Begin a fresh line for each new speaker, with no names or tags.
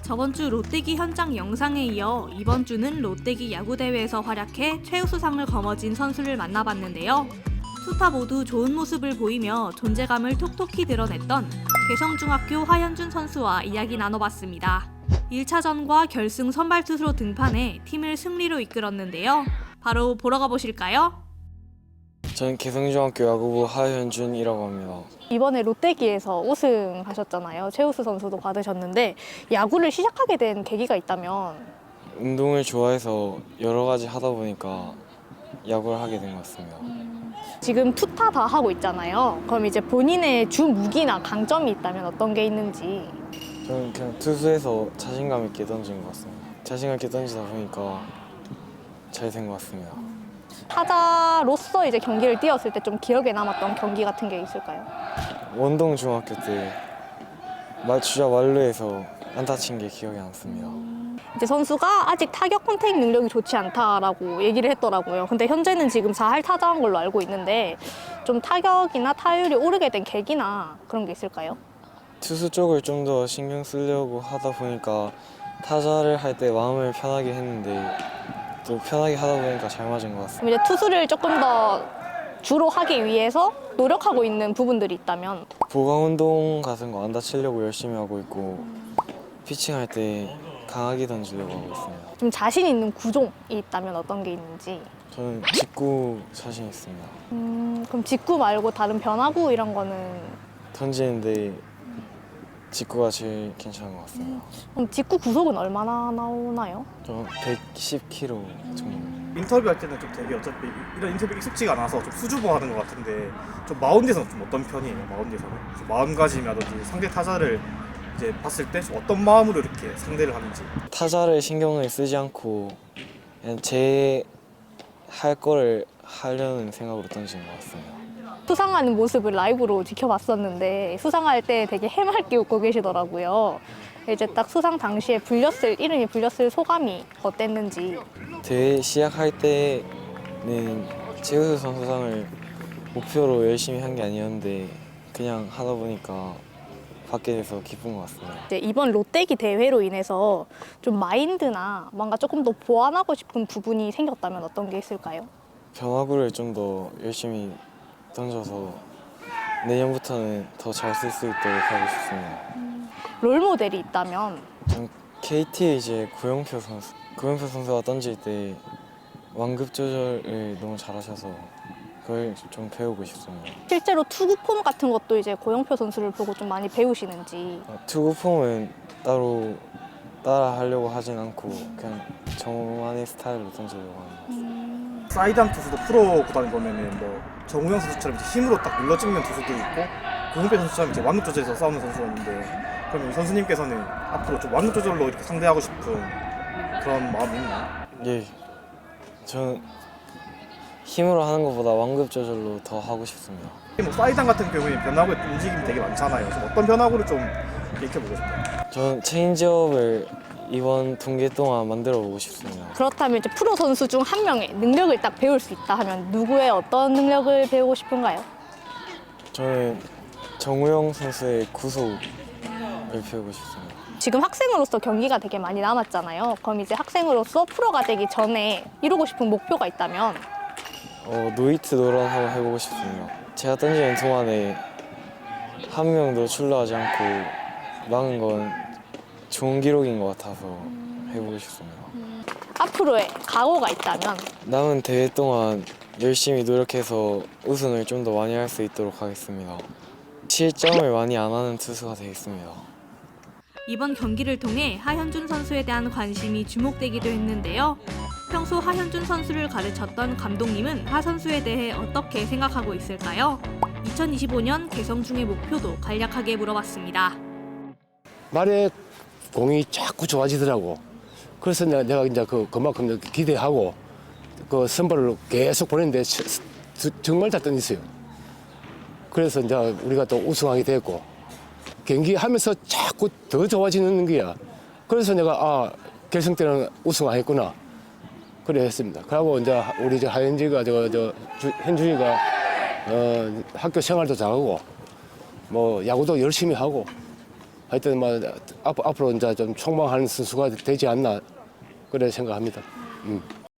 저번 주 롯데기 현장 영상에 이어 이번 주는 롯데기 야구대회에서 활약해 최우수상을 거머쥔 선수를 만나봤는데요. 투타 모두 좋은 모습을 보이며 존재감을 톡톡히 드러냈던 개성중학교 하현준 선수와 이야기 나눠봤습니다. 1차전과 결승 선발 투수로 등판해 팀을 승리로 이끌었는데요. 바로 보러 가보실까요?
저는 개성중학교 야구부 하현준이라고 합니다.
이번에 롯데기에서 우승하셨잖아요. 최우수 선수도 받으셨는데 야구를 시작하게 된 계기가 있다면?
운동을 좋아해서 여러 가지 하다 보니까 야구를 하게 된 것 같습니다.
지금 투타 다 하고 있잖아요. 그럼 이제 본인의 주 무기나 강점이 있다면 어떤 게 있는지?
저는 그냥 투수에서 자신감 있게 던진 것 같습니다. 자신감 있게 던지다 보니까 잘 된 것 같습니다.
타자로서 이제 경기를 뛰었을 때 좀 기억에 남았던 경기 같은 게 있을까요?
원동 중학교 때 주자 만루에서 안타 친 게 기억에 남습니다.
이제 선수가 아직 타격 컨택 능력이 좋지 않다라고 얘기를 했더라고요. 근데 현재는 지금 4할 타자한 걸로 알고 있는데 좀 타격이나 타율이 오르게 된 계기나 그런 게 있을까요?
투수 쪽을 좀 더 신경 쓰려고 하다 보니까 타자를 할 때 마음을 편하게 했는데 또 편하게 하다 보니까 잘 맞은 것 같습니다.
그럼 이제 투수를 조금 더 주로 하기 위해서 노력하고 있는 부분들이 있다면?
보강 운동 같은 거 안 다치려고 열심히 하고 있고 피칭할 때 강하게 던지려고 하고 있습니다.
좀 자신 있는 구종이 있다면 어떤 게 있는지?
저는 직구 자신 있습니다.
그럼 직구 말고 다른 변화구 이런 거는?
던지는데 직구가 제일 괜찮은 것 같습니다.
그럼 직구 구속은 얼마나 나오나요?
저 110kg 정도.
인터뷰할 때는 좀 되게 어차피 이런 인터뷰 익숙지가 않아서 좀 수줍어하는 것 같은데 좀 마운드에서는 좀 어떤 편이에요? 마운드에서는 좀 마음가짐이라든지 상대 타자를 이제 봤을 때 좀 어떤 마음으로 이렇게 상대를 하는지.
타자를 신경을 쓰지 않고 그냥 제 할 거를 하려는 생각으로 던지는 것 같습니다.
수상하는 모습을 라이브로 지켜봤었는데 수상할 때 되게 해맑게 웃고 계시더라고요. 이제 딱 수상 당시에 이름이 불렸을 소감이 어땠는지.
대회 시작할 때는 최우수 선수상을 목표로 열심히 한 게 아니었는데 그냥 하다 보니까 받게 돼서 기쁜 것 같습니다.
이제 이번 롯데기 대회로 인해서 좀 마인드나 뭔가 조금 더 보완하고 싶은 부분이 생겼다면 어떤 게 있을까요?
변화구를 좀 더 열심히 던져서 내년부터는 더 잘 쓸 수 있도록 하고 싶습니다.
롤 모델이 있다면?
전 KT의 이제 구영표 선수가 던질 때 완급 조절을 너무 잘하셔서 그걸 좀 배우고 싶습니다.
실제로 투구 폼 같은 것도 이제 고영표 선수를 보고 좀 많이 배우시는지.
투구 폼은 따로 따라 하려고 하진 않고 그냥 저만의 스타일로 던지려고 합니다.
사이드암 투수도 프로 구단에 보면은 뭐 정우영 선수처럼 이제 힘으로 딱 눌러 찍는 투수도 있고 고흥배 선수처럼 이제 완급 조절에서 싸우는 선수가 있는데 그럼 이 선수님께서는 앞으로 좀 완급 조절로 이렇게 상대하고 싶은 그런 마음이 있나요?
예, 저는 힘으로 하는 것보다 완급 조절로 더 하고 싶습니다.
뭐 사이드암 같은 경우에 변화구의 움직임이 되게 많잖아요. 좀 어떤 변화구를 좀 익혀보고 싶어요.
저는 체인지업을 이번 분기 동안 만들어 보고 싶습니다.
그렇다면 이제 프로 선수 중 한 명의 능력을 딱 배울 수 있다 하면 누구의 어떤 능력을 배우고 싶은가요?
저는 정우영 선수의 구속을 배우고 싶습니다.
지금 학생으로서 경기가 되게 많이 남았잖아요. 그럼 이제 학생으로서 프로가 되기 전에 이루고 싶은 목표가 있다면?
노히트 노런 한번 해보고 싶습니다. 제가 던지는 동안에 한 명도 출루하지 않고 막은 건 좋은 기록인 것 같아서 해보고 싶습니다.
앞으로의 각오가 있다면?
남은 대회 동안 열심히 노력해서 우승을 좀 더 많이 할 수 있도록 하겠습니다. 실점을 많이 안 하는 투수가 되겠습니다.
이번 경기를 통해 하현준 선수에 대한 관심이 주목되기도 했는데요. 평소 하현준 선수를 가르쳤던 감독님은 하 선수에 대해 어떻게 생각하고 있을까요? 2025년 개성중의 목표도 간략하게 물어봤습니다.
말에 공이 자꾸 좋아지더라고. 그래서 내가 이제 그만큼 기대하고 그 선발을 계속 보냈는데 정말 잘 던졌어요. 그래서 이제 우리가 또 우승하게 됐고 경기하면서 자꾸 더 좋아지는 거야. 그래서 내가 결승 때는 우승하겠구나. 그래 했습니다. 그리고 이제 우리 하현지가 현준이가 학교 생활도 잘하고 뭐 야구도 열심히 하고 하여튼 뭐 앞으로 이제 좀 촉망하는 선수가 되지 않나 그래 생각합니다.